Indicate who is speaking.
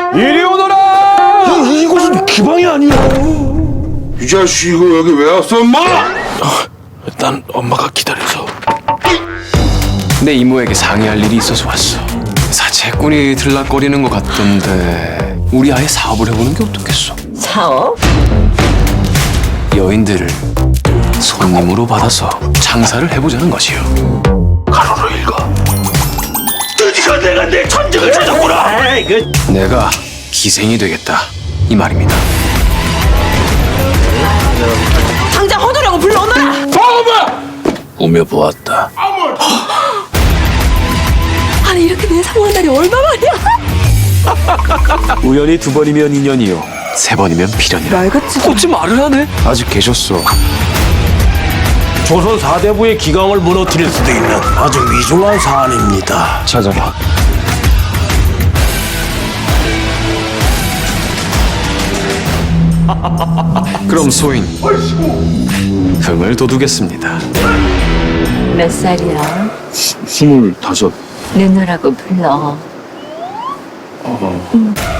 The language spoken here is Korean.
Speaker 1: 이리 오너라!
Speaker 2: 이곳은 기방이 아니야.
Speaker 3: 이 자식 이거 여기 왜 왔어, 엄마?
Speaker 2: 난 엄마가 기다려서.
Speaker 1: 내 이모에게 상의할 일이 있어서 왔어. 사채꾼이 들락거리는 것 같던데 우리 아예 사업을 해보는 게 어떻겠어?
Speaker 4: 사업?
Speaker 1: 여인들을 손님으로 받아서 장사를 해보자는 것이요.
Speaker 2: 가로로 읽어. 드디어 내가 내 천직을 찾았구나.
Speaker 1: 내가 기생이 되겠다 이 말입니다.
Speaker 4: 당장 허도령을 불러오너라!
Speaker 2: 꾸며 보았다.
Speaker 4: 아니 이렇게 내상한 날이 얼마만이야?
Speaker 1: 우연히 2번이면 인연이요 3번이면 필연이라.
Speaker 4: 말같이
Speaker 1: 어찌 말을 하네? 아직 계셨어.
Speaker 2: 조선 사대부의 기강을 무너뜨릴 수도 있는 아주 위중한 사안입니다.
Speaker 1: 찾아봐. 그럼 소인 흥을 돋우겠습니다.
Speaker 5: 몇 살이야?
Speaker 2: 25.
Speaker 5: 내노라고 불러.